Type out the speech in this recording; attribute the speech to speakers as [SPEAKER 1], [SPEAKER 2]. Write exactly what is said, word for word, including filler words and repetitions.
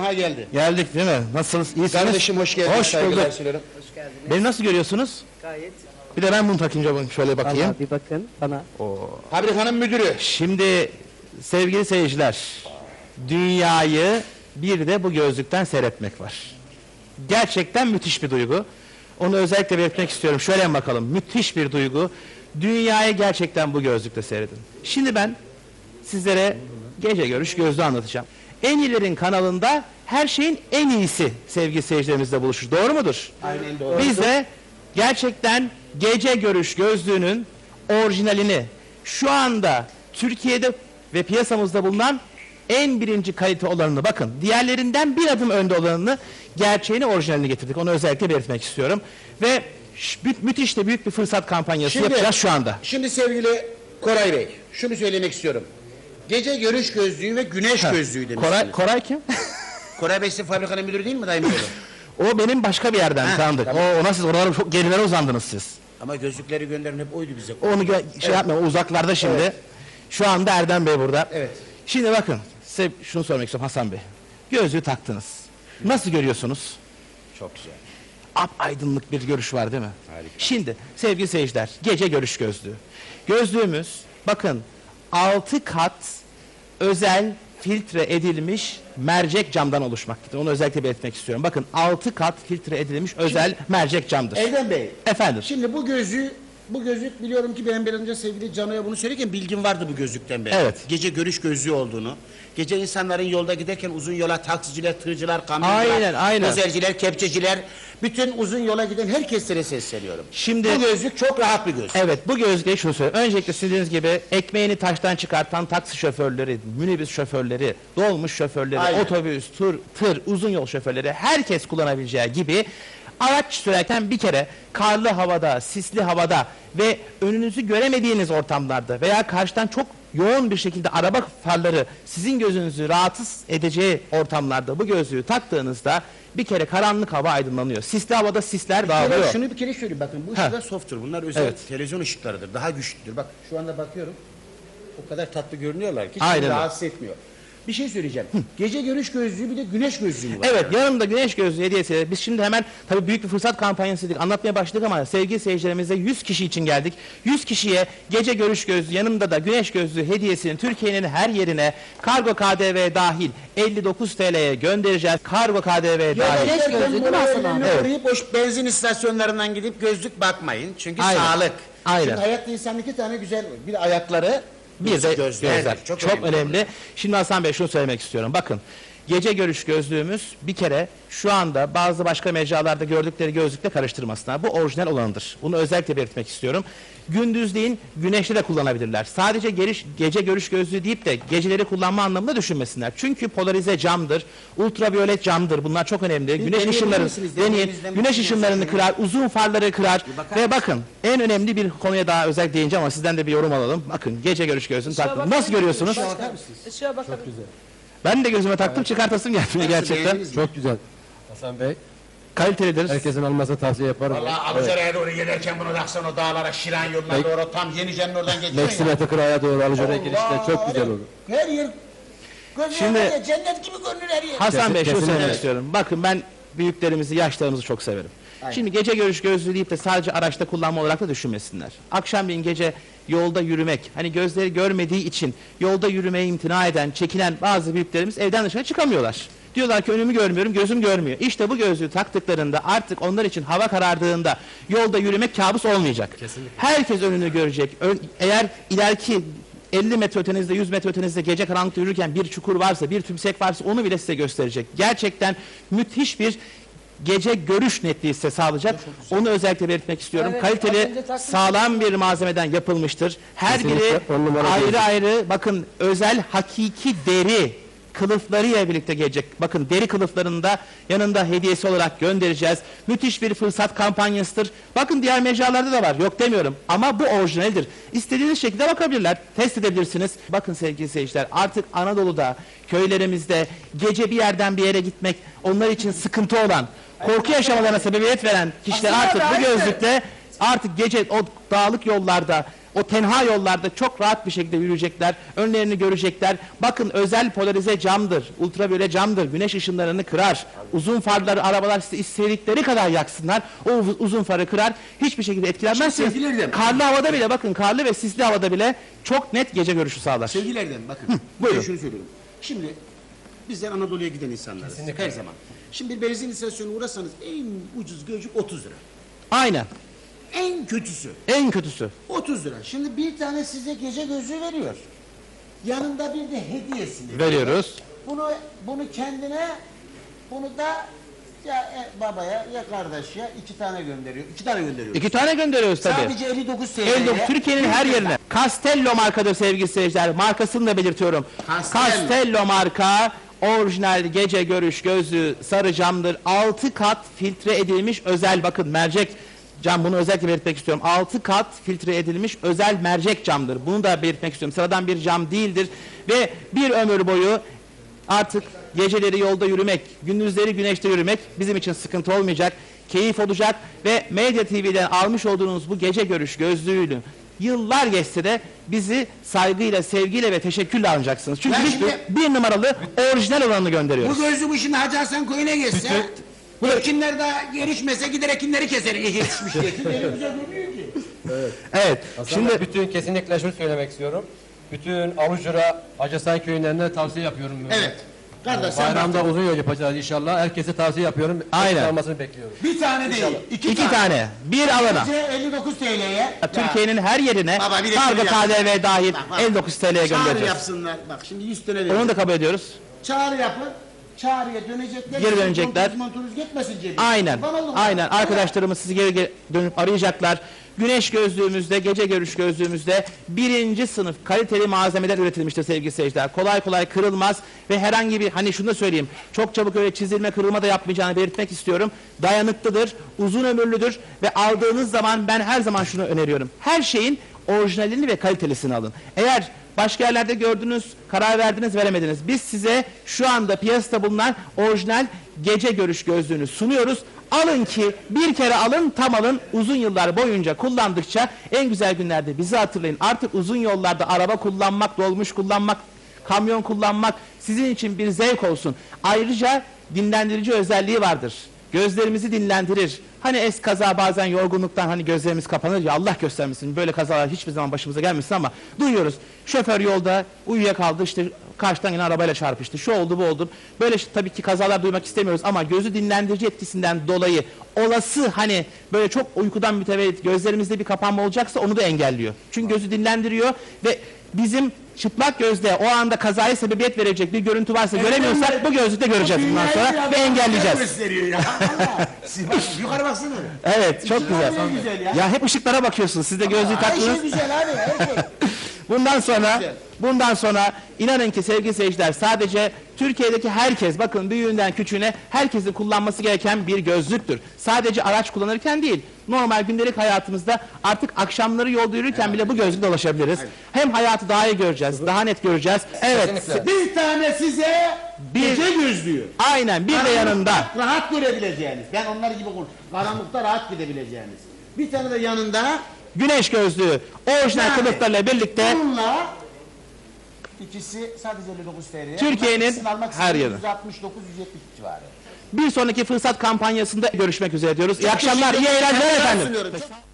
[SPEAKER 1] Aha geldi.
[SPEAKER 2] Geldik değil mi? Nasılsınız? İyisiniz?
[SPEAKER 1] Kardeşim hoş geldin.
[SPEAKER 2] Hoş bulduk.
[SPEAKER 1] Hoş
[SPEAKER 3] geldiniz.
[SPEAKER 2] Beni nasıl görüyorsunuz?
[SPEAKER 3] Gayet.
[SPEAKER 2] Bir de ben bunu takınca bakın, şöyle bakayım.
[SPEAKER 3] Vallahi bir bakın bana.
[SPEAKER 2] Oo.
[SPEAKER 1] Fabrikanın müdürü.
[SPEAKER 2] Şimdi sevgili seyirciler, dünyayı bir de bu gözlükten seyretmek var. Gerçekten müthiş bir duygu. Onu özellikle belirtmek istiyorum. Şöyle bakalım. Müthiş bir duygu. Dünyayı gerçekten bu gözlükte seyredin. Şimdi ben sizlere gece görüş gözlüğü anlatacağım. En iyilerin kanalında her şeyin en iyisi sevgili seyircilerimizle buluşur. Doğru mudur?
[SPEAKER 1] Aynen doğru.
[SPEAKER 2] Biz de gerçekten gece görüş gözlüğünün orijinalini şu anda Türkiye'de ve piyasamızda bulunan en birinci kalite olanını, bakın diğerlerinden bir adım önde olanını, gerçeğini, orijinalini getirdik. Onu özellikle belirtmek istiyorum. Ve mü müthiş de büyük bir fırsat kampanyası
[SPEAKER 1] Şimdi-
[SPEAKER 2] yapacağız şu anda.
[SPEAKER 1] Şimdi sevgili Koray Bey, şunu söylemek istiyorum. Gece görüş gözlüğü ve güneş gözlüğü demişsiniz.
[SPEAKER 2] Koray, Koray kim?
[SPEAKER 1] Koray Bey sizin fabrikanın müdürü değil mi dayım oğlu?
[SPEAKER 2] O benim başka bir yerden
[SPEAKER 1] Ha,
[SPEAKER 2] tanıdık.
[SPEAKER 1] tamam.
[SPEAKER 2] O, ona siz oralara çok gerilere uzandınız siz.
[SPEAKER 1] Ama gözlükleri gönderen hep oydu bize.
[SPEAKER 2] Onu gö- şey
[SPEAKER 1] Evet.
[SPEAKER 2] yapma, o uzaklarda şimdi.
[SPEAKER 1] Evet.
[SPEAKER 2] Şu anda Erdem Bey burada.
[SPEAKER 1] Evet.
[SPEAKER 2] Şimdi bakın, size şunu sormak istiyorum Hasan Bey. Gözlüğü taktınız. Nasıl görüyorsunuz?
[SPEAKER 1] Çok güzel.
[SPEAKER 2] Ap aydınlık bir görüş var değil mi?
[SPEAKER 1] Harika.
[SPEAKER 2] Şimdi sevgili seyirciler, gece görüş gözlüğü. Gözlüğümüz bakın altı kat özel filtre edilmiş mercek camdan oluşmaktadır. Onu özellikle belirtmek istiyorum. Bakın altı kat filtre edilmiş özel mercek camdır.
[SPEAKER 1] Erdem Bey,
[SPEAKER 2] Efendim.
[SPEAKER 1] şimdi bu gözlüğü, bu gözlük biliyorum ki ben bir önce sevgili Cano'ya bunu söylerken bilgim vardı bu gözlükten beri.
[SPEAKER 2] Evet.
[SPEAKER 1] Gece görüş gözlüğü olduğunu. Gece insanların yolda giderken uzun yola taksiciler, tırcılar, kamyoncular,
[SPEAKER 2] Aynen, aynen.
[SPEAKER 1] dozerciler, kepçeciler, bütün uzun yola giden herkeslere sesleniyorum.
[SPEAKER 2] Şimdi-
[SPEAKER 1] bu gözlük çok rahat bir gözlük.
[SPEAKER 2] Evet, bu gözlüğe şunu söyleyeyim. Öncelikle sizin dediğiniz gibi ekmeğini taştan çıkartan taksi şoförleri, minibüs şoförleri, dolmuş şoförleri,
[SPEAKER 1] Aynen.
[SPEAKER 2] otobüs, tur, tır, uzun yol şoförleri, herkes kullanabileceği gibi araç sürerken bir kere karlı havada, sisli havada ve önünüzü göremediğiniz ortamlarda veya karşıdan çok yoğun bir şekilde araba farları sizin gözünüzü rahatsız edeceği ortamlarda bu gözlüğü taktığınızda bir kere karanlık hava aydınlanıyor. Sisli havada sisler dağılıyor.
[SPEAKER 1] Evet, şunu bir kere söyleyeyim, bakın bu
[SPEAKER 2] Ha.
[SPEAKER 1] ışıklar softtur. Bunlar özel
[SPEAKER 2] Evet.
[SPEAKER 1] televizyon ışıklarıdır. Daha güçlüdür. Bak şu anda bakıyorum. O kadar tatlı görünüyorlar ki hiç
[SPEAKER 2] Aynen
[SPEAKER 1] beni
[SPEAKER 2] öyle.
[SPEAKER 1] rahatsız etmiyor. Bir şey söyleyeceğim. Gece görüş gözlüğü bir de güneş gözlüğü mü var?
[SPEAKER 2] Evet, yanımda güneş gözlüğü hediyesi. Biz şimdi hemen tabii büyük bir fırsat kampanyası dedik. Anlatmaya başladık ama sevgili seyircilerimize yüz kişi için geldik. yüz kişiye gece görüş gözlüğü, yanımda da güneş gözlüğü hediyesini Türkiye'nin her yerine kargo K D V dahil elli dokuz T L'ye göndereceğiz. Kargo K D V dahil.
[SPEAKER 1] Güneş
[SPEAKER 3] gözlüğü değil mi Hasan abi?
[SPEAKER 2] Evet.
[SPEAKER 1] Uğrayıp boş benzin istasyonlarından gidip gözlük bakmayın. Çünkü
[SPEAKER 2] Aynen.
[SPEAKER 1] sağlık.
[SPEAKER 2] Aynen.
[SPEAKER 1] Çünkü hayatta insanın iki tane güzel, bir ayakları,
[SPEAKER 2] Bir de
[SPEAKER 1] gözlerdir.
[SPEAKER 2] gözler. Çok, önemli. Şimdi Hasan Bey şunu söylemek istiyorum. Bakın, gece görüş gözlüğümüz bir kere şu anda bazı başka mecralarda gördükleri gözlükle karıştırmasınlar. Bu orijinal olanıdır. Bunu özellikle belirtmek istiyorum. Gündüzleyin güneşte de kullanabilirler. Sadece geriş, gece görüş gözlüğü deyip de geceleri kullanma anlamında düşünmesinler. Çünkü polarize camdır, ultraviyolet camdır. Bunlar çok önemli. Güneş
[SPEAKER 1] deneyebilir
[SPEAKER 2] ışınları,
[SPEAKER 1] misiniz?
[SPEAKER 2] deneyin.
[SPEAKER 1] Deneyimizden
[SPEAKER 2] Güneş
[SPEAKER 1] bir
[SPEAKER 2] ışınlarını
[SPEAKER 1] şey
[SPEAKER 2] kırar, uzun farları kırar.
[SPEAKER 1] bakar
[SPEAKER 2] Ve bakın, en önemli bir konuya daha özel değineceğim ama sizden de bir yorum alalım. Bakın, gece görüş gözlüğünü taktım. Nasıl görüyorsunuz?
[SPEAKER 1] Bakar mısınız?
[SPEAKER 3] Işığa bakalım.
[SPEAKER 2] Ben de gözüme taktım, çıkartasım gelmiyor gerçekten.
[SPEAKER 1] Beğendiniz mi?
[SPEAKER 4] Çok güzel. Hasan Bey,
[SPEAKER 2] Kalitelidir.
[SPEAKER 4] herkesin almasını tavsiye yaparım.
[SPEAKER 1] Valla Alucere'ye doğru giderken bunu taksan o dağlara, Şiran yoluna
[SPEAKER 4] Bek-
[SPEAKER 1] doğru tam Yenice'nin oradan geçiyor
[SPEAKER 4] Meksime Tıkıra'ya doğru Alıcı'ya girişte çok güzel olur.
[SPEAKER 1] Her yer, Şimdi,
[SPEAKER 2] Şimdi-
[SPEAKER 1] cennet gibi görünür her yer.
[SPEAKER 2] Hasan Bey şunu
[SPEAKER 4] Kesinlikle.
[SPEAKER 2] söylemek
[SPEAKER 1] Evet.
[SPEAKER 2] istiyorum. Bakın ben büyüklerimizi, yaşlarımızı çok severim.
[SPEAKER 1] Aynen.
[SPEAKER 2] Şimdi gece görüş gözlüğü deyip de sadece araçta kullanma olarak da düşünmesinler. Akşamleyin gece yolda yürümek, hani gözleri görmediği için yolda yürümeye imtina eden, çekinen bazı büyüklerimiz evden dışarı çıkamıyorlar. Diyorlar ki önümü görmüyorum, gözüm görmüyor. İşte bu gözlüğü taktıklarında artık onlar için hava karardığında yolda yürümek kabus olmayacak. Herkes önünü görecek. Ön- eğer ileriki elli metre ötenizde, yüz metre ötenizde gece karanlıkta yürürken bir çukur varsa, bir tümsek varsa onu bile size gösterecek. Gerçekten müthiş bir gece görüş netliği size sağlayacak. Onu özellikle belirtmek istiyorum.
[SPEAKER 3] Evet, az
[SPEAKER 2] Kaliteli,
[SPEAKER 3] önce taktım.
[SPEAKER 2] sağlam bir malzemeden yapılmıştır. Her
[SPEAKER 4] Kesinlikle
[SPEAKER 2] biri
[SPEAKER 4] on numara
[SPEAKER 2] ayrı
[SPEAKER 4] gözlük.
[SPEAKER 2] ayrı, bakın özel hakiki deri kılıflarıyla birlikte gelecek. Bakın deri kılıflarında yanında hediyesi olarak göndereceğiz. Müthiş bir fırsat kampanyasıdır. Bakın diğer mecralarda da var. Yok demiyorum. Ama bu orijinaldir. İstediğiniz şekilde bakabilirler. Test edebilirsiniz. Bakın sevgili seyirciler, artık Anadolu'da, köylerimizde gece bir yerden bir yere gitmek onlar için sıkıntı olan, korku yaşamalarına sebebiyet veren kişiler
[SPEAKER 3] Aslında
[SPEAKER 2] artık bu
[SPEAKER 3] abi,
[SPEAKER 2] gözlükle artık gece o dağlık yollarda o tenha yollarda çok rahat bir şekilde yürüyecekler. Önlerini görecekler. Bakın özel polarize camdır. Ultraviyole camdır. Güneş ışınlarını kırar. Uzun farları arabalar size istedikleri kadar yaksınlar. O uz- uzun farı kırar. Hiçbir şekilde etkilenmezsiniz.
[SPEAKER 1] Şimdi sevgili Erdem.
[SPEAKER 2] Karlı havada bile bakın karlı ve sisli havada bile çok net gece görüşü sağlar.
[SPEAKER 1] Sevgili Erdem bakın.
[SPEAKER 2] buyurun.
[SPEAKER 1] Ben şunu söylüyorum. Şimdi bizler Anadolu'ya giden insanlarız.
[SPEAKER 4] Kesinlikle.
[SPEAKER 1] Her zaman. Şimdi bir benzin istasyonuna uğrasanız en ucuz gözcük otuz lira.
[SPEAKER 2] Aynen.
[SPEAKER 1] En kötüsü
[SPEAKER 2] En kötüsü.
[SPEAKER 1] otuz lira. Şimdi bir tane size gece gözlüğü veriyor. Yanında bir de hediyesini.
[SPEAKER 2] Veriyoruz.
[SPEAKER 1] Bunu bunu kendine, bunu da ya e, babaya ya kardeşe iki tane gönderiyor. İki tane gönderiyor.
[SPEAKER 2] İki tane gönderiyoruz tabii.
[SPEAKER 1] Sadece elli dokuz T L'ye.
[SPEAKER 2] elli dokuz Türkiye'nin her yerine. Castello markadır sevgili seyirciler. Markasını da belirtiyorum.
[SPEAKER 1] Castello.
[SPEAKER 2] Castello marka orijinal gece görüş gözlüğü sarı camdır. altı kat filtre edilmiş özel bakın mercek cam, bunu özellikle belirtmek istiyorum. altı kat filtre edilmiş özel mercek camdır. Bunu da belirtmek istiyorum. Sıradan bir cam değildir ve bir ömür boyu artık geceleri yolda yürümek, gündüzleri güneşte yürümek bizim için sıkıntı olmayacak, keyif olacak ve Medya T V'den almış olduğunuz bu gece görüş gözlüğüyle yıllar geçse de bizi saygıyla, sevgiyle ve teşekkürle alacaksınız. Çünkü
[SPEAKER 1] Ya
[SPEAKER 2] biz
[SPEAKER 1] şimdi-
[SPEAKER 2] bir numaralı orijinal olanını gönderiyoruz.
[SPEAKER 1] Bu gözlü bu şimdi Hacı Hasan Koyun'a geçse, bu ekinler daha gelişmese gider ekinleri keser yetişmiş diye. Ekin güzel görünüyor ki.
[SPEAKER 2] Evet.
[SPEAKER 4] Hasan
[SPEAKER 2] Şimdi
[SPEAKER 4] Bey, bütün kesinlikle şunu söylemek istiyorum. Bütün Alucura, Hacısan köylerine tavsiye yapıyorum.
[SPEAKER 1] Evet. Kardeş sen
[SPEAKER 4] Bayramda
[SPEAKER 1] bak.
[SPEAKER 4] uzun yol yapacağız inşallah. Herkese tavsiye yapıyorum.
[SPEAKER 2] Aynen.
[SPEAKER 4] Hepsi almasını bekliyorum.
[SPEAKER 1] Bir tane değil. iki,
[SPEAKER 2] iki tane, bir alana.
[SPEAKER 1] Gece elli dokuz T L'ye.
[SPEAKER 2] Türkiye'nin her yerine
[SPEAKER 1] Baba, bir de
[SPEAKER 2] kargo
[SPEAKER 1] şöyle
[SPEAKER 2] K D V dahil
[SPEAKER 1] Bak, bak.
[SPEAKER 2] elli dokuz T L'ye
[SPEAKER 1] Çağrı
[SPEAKER 2] göndereceğiz.
[SPEAKER 1] yapsınlar. Bak şimdi yüz tane
[SPEAKER 2] Onu
[SPEAKER 1] verin.
[SPEAKER 2] da kabul ediyoruz.
[SPEAKER 1] Çağrı yapın. Çağrıya dönecekler.
[SPEAKER 2] Geri dönecekler.
[SPEAKER 1] Montunuz montunuz gitmesin cebine.
[SPEAKER 2] Aynen.
[SPEAKER 1] Kurban oldum.
[SPEAKER 2] Aynen. Arkadaşlarımız sizi geri geri dönüp arayacaklar. Güneş gözlüğümüzde, gece görüş gözlüğümüzde birinci sınıf kaliteli malzemeler üretilmiştir sevgili seyirciler. Kolay kolay kırılmaz ve herhangi bir, hani şunu da söyleyeyim, çok çabuk öyle çizilme, kırılma da yapmayacağını belirtmek istiyorum. Dayanıklıdır, uzun ömürlüdür ve aldığınız zaman ben her zaman şunu öneriyorum. Her şeyin orijinalini ve kalitelisini alın. Eğer başka yerlerde gördünüz, karar verdiniz, veremediniz. Biz size şu anda piyasada bulunan orijinal gece görüş gözlüğünü sunuyoruz. Alın ki bir kere alın, tam alın. Uzun yıllar boyunca kullandıkça en güzel günlerde bizi hatırlayın. Artık uzun yollarda araba kullanmak, dolmuş kullanmak, kamyon kullanmak sizin için bir zevk olsun. Ayrıca dinlendirici özelliği vardır. Gözlerimizi dinlendirir. Hani es kaza bazen yorgunluktan hani gözlerimiz kapanır ya, Allah göstermesin, böyle kazalar hiçbir zaman başımıza gelmesin ama duyuyoruz. Şoför yolda uyuyakaldı, işte karşıdan yine arabayla çarpıştı, şu oldu bu oldu. Böyle işte, tabii ki kazalar duymak istemiyoruz ama gözü dinlendirici etkisinden dolayı olası hani böyle çok uykudan mütevellit gözlerimizde bir kapanma olacaksa onu da engelliyor. Çünkü gözü dinlendiriyor ve bizim çıplak gözle o anda kazaya sebebiyet verecek bir görüntü varsa göremiyorsak bu gözlükle göreceğiz bundan sonra ve engelleyeceğiz.
[SPEAKER 1] Gösteriyor ya. Allah. Siz bak, yukarı baksana.
[SPEAKER 2] Evet, çok güzel.
[SPEAKER 1] Ne güzel ya.
[SPEAKER 2] Ya hep ışıklara bakıyorsunuz. Siz de gözlüğü
[SPEAKER 1] Her şey
[SPEAKER 2] taktınız.
[SPEAKER 1] güzel abi, her şey.
[SPEAKER 2] Bundan sonra
[SPEAKER 1] Güzel.
[SPEAKER 2] bundan sonra inanın ki sevgili seyirciler, sadece Türkiye'deki herkes, bakın büyüğünden küçüğüne herkesin kullanması gereken bir gözlüktür. Sadece araç kullanırken değil, normal gündelik hayatımızda artık akşamları yolda yürürken bile bu gözlükle dolaşabiliriz. Hem hayatı daha iyi göreceğiz, daha net göreceğiz. Evet.
[SPEAKER 4] Kesinlikle.
[SPEAKER 1] Bir tane size
[SPEAKER 2] Bir-
[SPEAKER 1] gece gözlüğü.
[SPEAKER 2] Aynen, bir de yanında.
[SPEAKER 1] Karanlıkta rahat görebileceğiniz. Ben onlar gibi kul- karanlıkta rahat gidebileceğiniz. Bir tane de yanında
[SPEAKER 2] Güneş gözlüğü orijinal
[SPEAKER 1] Yani
[SPEAKER 2] kılıflarıyla birlikte
[SPEAKER 1] bununla ikisi sadece elli dokuz T L'ye.
[SPEAKER 2] Türkiye'nin
[SPEAKER 1] Bunların ikisini almak
[SPEAKER 2] her
[SPEAKER 1] istedim,
[SPEAKER 2] yeri.
[SPEAKER 1] yüz altmış dokuz yüz yetmiş civarı.
[SPEAKER 2] bir sonraki fırsat kampanyasında görüşmek üzere diyoruz. İyi akşamlar, iyi
[SPEAKER 1] Teşekkür ederim.
[SPEAKER 2] eğlenceler
[SPEAKER 1] Saygılar
[SPEAKER 2] efendim.
[SPEAKER 1] sunuyorum. Çok-